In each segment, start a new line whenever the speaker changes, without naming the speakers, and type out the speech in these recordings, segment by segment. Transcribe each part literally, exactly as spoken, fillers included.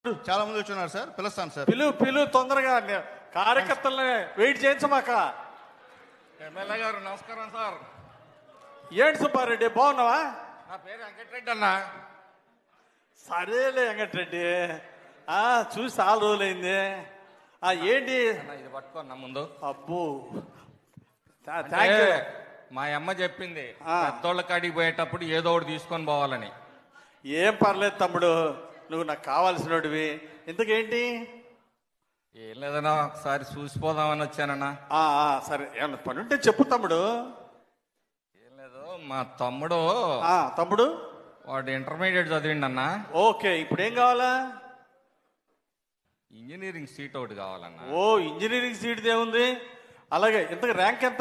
చాలా మంది వచ్చున్నారు సార్, పిలుస్తాను సార్.
పిలు పిలు తొందరగా కార్యకర్తలని వెయిట్ చేయించమాక.
ఎమ్మెల్యే గారు నమస్కారం సార్.
ఏంటి సుబ్బారెడ్డి బాగున్నావా?
నా పేరు వెంకటరెడ్డి అన్న.
సరేలే వెంకటరెడ్డి, ఆ చూసి చాలా రోజులైంది. ఆ ఏంటి
ఇది పట్టుకోన్నా ముందు.
అబ్బో
అంటే మా అమ్మ చెప్పింది పెద్దోళ్ళ కాడికి పోయేటప్పుడు ఏదో ఒకటి తీసుకొని పోవాలని.
ఏం పర్లేదు తమ్ముడు, నువ్వు నాకు కావాల్సినవి. ఇంతకేంటి?
ఏం లేదన్నా, ఒకసారి చూసిపోదామని వచ్చానన్నా.
ఆ సరే, ఏమన్నా పని ఉంటే చెప్పు తమ్ముడు.
ఏం లేదు, మా తమ్ముడు
ఆ తమ్ముడు
వాడు ఇంటర్మీడియట్ చదివిండి అన్న.
ఓకే, ఇప్పుడు ఏం కావాలా?
ఇంజనీరింగ్ సీట్ ఒకటి కావాలన్నా.
ఓ ఇంజనీరింగ్ సీట్ ఏముంది? అలాగే, ఇంతకు ర్యాంక్ ఎంత?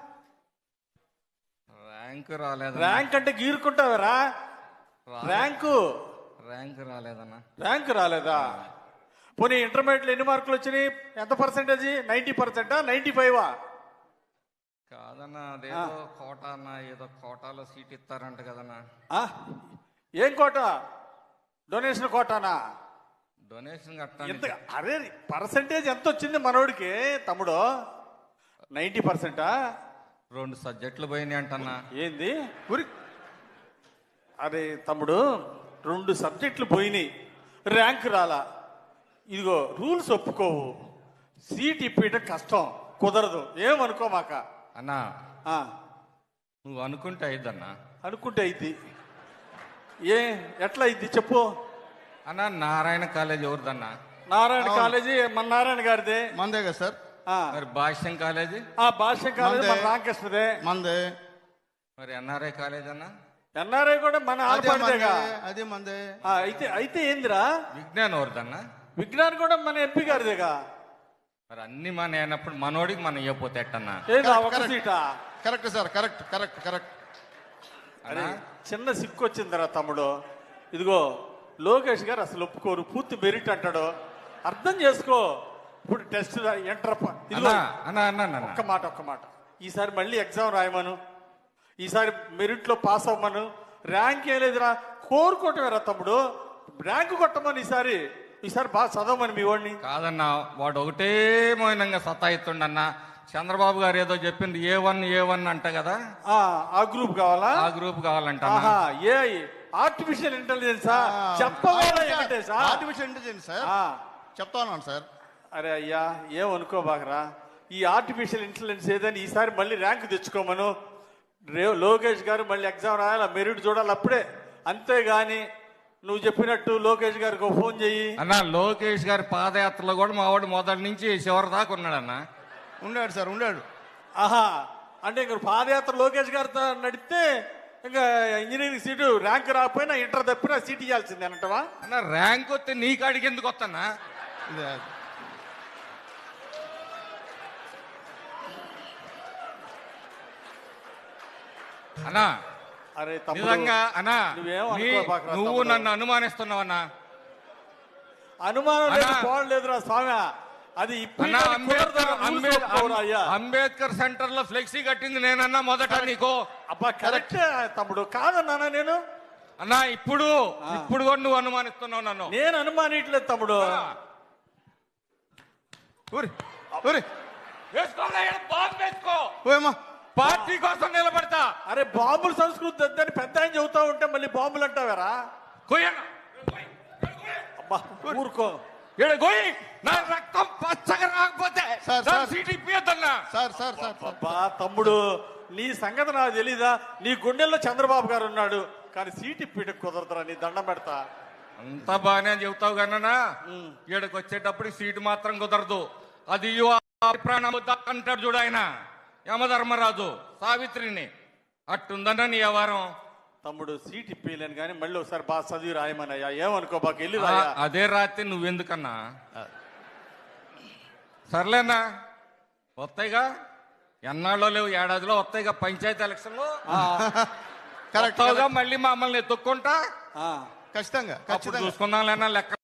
ర్యాంక్ రాలేదు.
ర్యాంక్ అంటే గీరుకుంటావరా? ర్యాంకు
ర్యాంక్ రాలేదన్నా.
ర్యాంక్ రాలేదా? పోనీ ఇంటర్మీడియట్లో ఎన్ని మార్కులు వచ్చినాయి? ఎంత పర్సెంటేజ్? నైన్టీ పర్సెంటా నైన్టీ ఫైవా?
కాదన్నా, అదేదో కోటా అన్న, ఏదో కోటాలో సీట్ ఇస్తారంట కదన్నా.
ఏం కోట? డొనేషన్ కోటానా?
డొనేషన్
ఎంత?
కట్టాలి.
అరే పర్సెంటేజ్ ఎంత వచ్చింది మనోడికి తమ్ముడు? నైన్టీ పర్సెంటా?
రెండు సబ్జెక్టులు పోయినాయి అంటన్నా.
ఏంది ఉరి? అరే తమ్ముడు, రెండు సబ్జెక్టులు పోయినాయి, ర్యాంక్ రాలా. ఇదిగో రూల్స్ ఒప్పుకోవు, సీట్ ఇప్పేయటం కష్టం, కుదరదు. ఏమనుకోమాక
అన్నా. నువ్వు అనుకుంటే అయిద్దన్నా.
అనుకుంటే అయింది. ఏ ఎట్లా అయింది చెప్పు
అన్నా. నారాయణ కాలేజ్ ఎవరిదన్నా?
నారాయణ కాలేజీ మన నారాయణ గారిదే.
మందే కదా సార్.
మరి భాష్యం కాలేజీ?
ఆ భాష్యం కాలేజీ మన రామకృష్ణదే.
మందే.
మరి ఎన్ఆర్ఐ కాలేజ్ అన్నా?
ఎన్ఆర్ఐ కూడా మన ఆడపడిదేగా.
అదే మందే.
అయితే అయితే ఏందిరా?
విజ్ఞాన్ ఎవరిదన్నా?
విజ్ఞాన్ కూడా మన ఎంపీ గారిదేగా.
మరి అన్ని మన అయినప్పుడు మనోడికి మనం ఇవ్వపోతే ఎట్టన్నా?
ఏదా ఒక సీటా?
Correct sir, correct correct correct.
అరే చిన్న సిక్కు వచ్చిందిరా తమ్ముడు. ఇదిగో లోకేష్ గారు అసలు ఒప్పుకోరు, పూర్తి మెరిట్ అంటాడు. అర్థం చేసుకో. ఇప్పుడు టెస్ట్ ఎంటర్ ఇదిగో
అన్నా అన్నా
ఒక్క మాట ఒక్క మాట ఈసారి మళ్ళీ ఎగ్జామ్ రాయమను, ఈసారి మెరిట్లో పాస్ అవ్వమను. ర్యాంక్ ఏం లేదురా, కోరుకోవటమేరా తమ్ముడు. ర్యాంకు కొట్టమని ఈసారి ఈసారి బాగా చదవమని మీ వాడిని.
కాదన్నా, వాడు ఒకటే మౌనంగా సతాయిస్తుండన్నా. చంద్రబాబు గారు ఏదో చెప్పింది ఏ వన్ ఏ వన్ అంట కదా.
ఆ గ్రూప్ కావాలా?
ఆ గ్రూప్ కావాలంట.
ఏ ఆర్టిఫిషియల్ ఇంటెలిజెన్సా? చెప్పవాలి.
ఆర్టిఫిషియల్ ఇంటెలిజెన్స్ సార్ చెప్తా ఉన్నాను సార్.
అరే అయ్యా, ఏమనుకోబాకరా. ఈ ఆర్టిఫిషియల్ ఇంటెలిజెన్స్ ఏదని ఈసారి మళ్ళీ ర్యాంక్ తెచ్చుకోమను. రే లోకేష్ గారు మళ్ళీ ఎగ్జామ్ రాయాలి, మెరిట్ చూడాలి అప్పుడే. అంతేగాని నువ్వు చెప్పినట్టు లోకేష్ గారికి ఫోన్ చెయ్యి
అన్న. లోకేష్ గారి పాదయాత్రలో కూడా మా వాడు మొదటి నుంచి చివరి దాకా ఉన్నాడన్న.
ఉన్నాడు సార్, ఉన్నాడు.
ఆహా, అంటే ఇంక పాదయాత్ర లోకేష్ గారితో నడిస్తే ఇంకా ఇంజనీరింగ్ సీటు ర్యాంక్ రాకపోయినా ఇంటర్ తప్పినా సీట్ ఇవ్వాల్సిందే అంటవా?
అన్న ర్యాంక్ వస్తే నీ కాడికి ఎందుకు వస్తానా? అన్నా
అరే
నిజంగా అన్నా,
నువ్వేమో
నువ్వు నన్ను అనుమానిస్తున్నావన్నా.
అనుమానం లేదు, పోవట్లేదురా స్వామి. అది
అంబేద్కర్ సెంటర్ లో ఫ్లెక్సీ కట్టింది నేనన్నా మొదట నీకు.
అబ్బా కరెక్ట్ తమ్ముడు, కాదన్నానా నేను?
అన్నా ఇప్పుడు ఇప్పుడు కూడా నువ్వు అనుమానిస్తున్నావు నన్ను.
నేను అనుమానిట్లేదు తమ్ముడు.
పార్టీ కోసం నిలబడతా.
అరే బాంబుల సంస్కృతి వద్దని పెద్ద ఆయన చెబుతా ఉంటే మళ్ళీ బాంబులు అంటావారా? అబ్బా ఊరుకో.
నా రక్తం పచ్చగా రాకపోతే సీట్ ఇప్పియద్దన్నా.
సార్ సార్ సార్
అబ్బా తమ్ముడు, నీ సంగతి నాకు తెలీదా? నీ గుండెల్లో చంద్రబాబు గారు ఉన్నాడు, కానీ సీట్ ఇప్పిట కుదరదురా. నీ దండం పెడతా.
అంతా బాగానే చెబుతావు కన్నా, ఈడకి వచ్చేటప్పుడు సీటు మాత్రం కుదరదు. అది ప్రాణం అంటాడు చూడు ఆయన యమధర్మరాజు సావిత్రిని. అట్టుందన్నా నీ వ్యవహారం.
తమ్ముడు సీట్ ఇప్పలేను కానీ మళ్ళీ ఒకసారి బాగా చదివి రాయమనయ్యా. ఏమనుకో బాగా వెళ్ళి రాయా.
అదే రాత్రి నువ్వెందుకన్నా? సర్లేనా, వస్తాయిగా, ఎన్నాళ్ళో లేవు, ఏడాదిలో వస్తాయిగా పంచాయతీ ఎలక్షన్లు. కరెక్ట్గా మళ్ళీ మమ్మల్ని ఎత్తుక్కుంటా
ఖచ్చితంగా
చూసుకుందాం లేనా లెక్క.